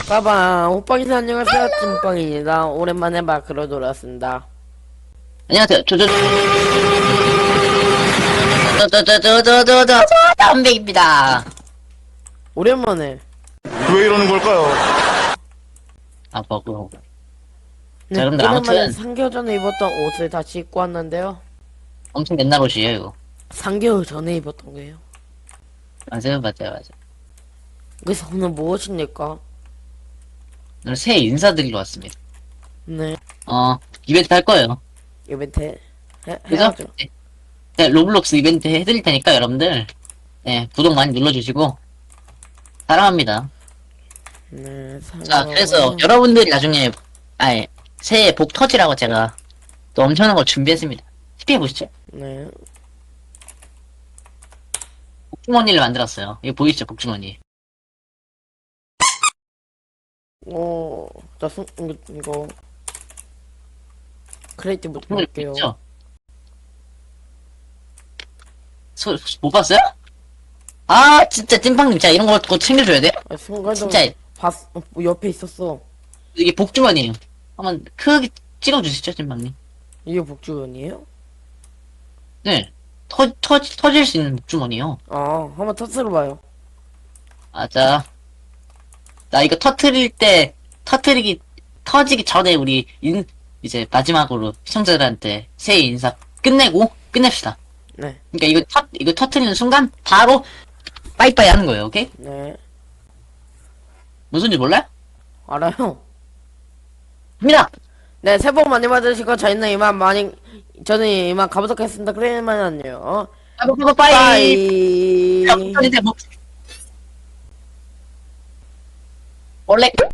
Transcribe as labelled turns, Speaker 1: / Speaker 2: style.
Speaker 1: 빠방 호빵이사 안녕하세요. 찐빵입니다. 오랜만에 마크로 돌아왔습니다.
Speaker 2: 안녕하세요. 담백입니다.
Speaker 1: 오랜만에.
Speaker 3: 왜 이러는 걸까요?
Speaker 2: 아, 버그.
Speaker 1: 네,
Speaker 2: 자, 여러분들
Speaker 1: 오랜만에
Speaker 2: 아무튼
Speaker 1: 3개월 전에 입었던 옷을 다시 입고 왔는데요.
Speaker 2: 엄청 옛날 옷이에요, 이거.
Speaker 1: 3개월 전에 입었던 거예요.
Speaker 2: 맞아요.
Speaker 1: 그래서 오늘 무엇입니까?
Speaker 2: 오늘 새해 인사드리러 왔습니다.
Speaker 1: 네,
Speaker 2: 이벤트 할 거예요.
Speaker 1: 이벤트
Speaker 2: 그죠?
Speaker 1: 해야죠.
Speaker 2: 네, 로블록스 이벤트 해드릴 테니까 여러분들, 네, 구독 많이 눌러주시고, 사랑합니다.
Speaker 1: 네,
Speaker 2: 자, 그래서 여러분들이 나중에, 새해 복 터지라고 제가 또 엄청난 걸 준비했습니다. TP 해보시죠.
Speaker 1: 네,
Speaker 2: 복주머니를 만들었어요. 이거 보이시죠, 복주머니.
Speaker 1: 자, 이거 크리에이티브부터
Speaker 2: 복주머니
Speaker 1: 볼게요.
Speaker 2: 보이시죠? 못 봤어요? 아, 진짜 찐빵님, 진짜 이런 거 꼭 챙겨줘야 돼?
Speaker 1: 순간적으로
Speaker 2: 진짜
Speaker 1: 옆에 있었어.
Speaker 2: 이게 복주머니에요. 한번 크게 찍어주시죠, 찐빵님.
Speaker 1: 이게 복주연이에요?
Speaker 2: 네. 터질 수 있는 복주머니요.
Speaker 1: 한번 터트려봐요.
Speaker 2: 자. 나 이거 터지기 전에 이제 마지막으로 시청자들한테 새해 인사 끝내고, 끝냅시다.
Speaker 1: 네,
Speaker 2: 그러니까 이거 터트리는 순간, 바로, 빠이빠이 하는 거예요, 오케이?
Speaker 1: 네,
Speaker 2: 무슨 줄 몰라요?
Speaker 1: 알아요.
Speaker 2: 합니다!
Speaker 1: 네, 새해 복 많이 받으시고 저는 이만 가보도록 하겠습니다. 그래만 안녕.
Speaker 2: 빠이빠이!
Speaker 1: 빠이.
Speaker 2: 야, 이제 뭐. 원래